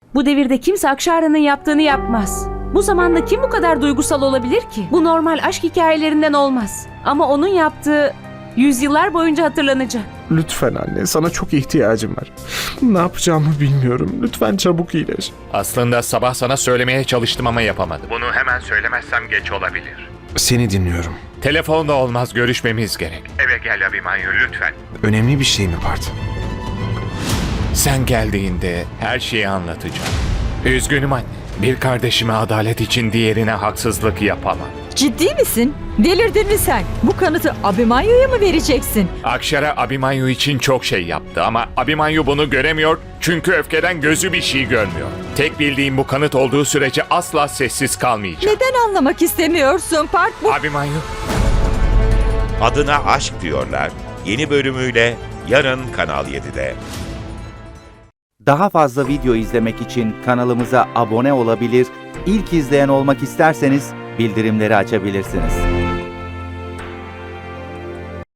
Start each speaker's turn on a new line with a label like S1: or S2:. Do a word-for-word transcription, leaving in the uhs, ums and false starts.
S1: Bu devirde kimse Akşara'nın yaptığını yapmaz. Bu zamanda kim bu kadar duygusal olabilir ki? Bu normal aşk hikayelerinden olmaz. Ama onun yaptığı yüzyıllar boyunca hatırlanacak.
S2: Lütfen anne, sana çok ihtiyacım var. Ne yapacağımı bilmiyorum. Lütfen çabuk iyileş.
S3: Aslında sabah sana söylemeye çalıştım ama yapamadım. Bunu hemen söylemezsem geç olabilir.
S2: Seni dinliyorum.
S3: Telefonda olmaz, görüşmemiz gerek. Eve gel Abimanyu lütfen.
S2: Önemli bir şey mi Part?
S3: Sen geldiğinde her şeyi anlatacağım. Üzgünüm anne. Bir kardeşime adalet için diğerine haksızlık yapamam.
S4: Ciddi misin? Delirdin mi sen? Bu kanıtı Abimanyu'ya mı vereceksin?
S3: Akşara Abimanyu için çok şey yaptı ama Abimanyu bunu göremiyor çünkü öfkeden gözü bir şey görmüyor. Tek bildiğim bu kanıt olduğu sürece asla sessiz kalmayacağım.
S4: Neden anlamak istemiyorsun Park? Bu
S3: Abimanyu,
S5: Adına Aşk diyorlar. Yeni bölümüyle yarın Kanal yedide.
S6: Daha fazla video izlemek için kanalımıza abone olabilir, ilk izleyen olmak isterseniz bildirimleri açabilirsiniz.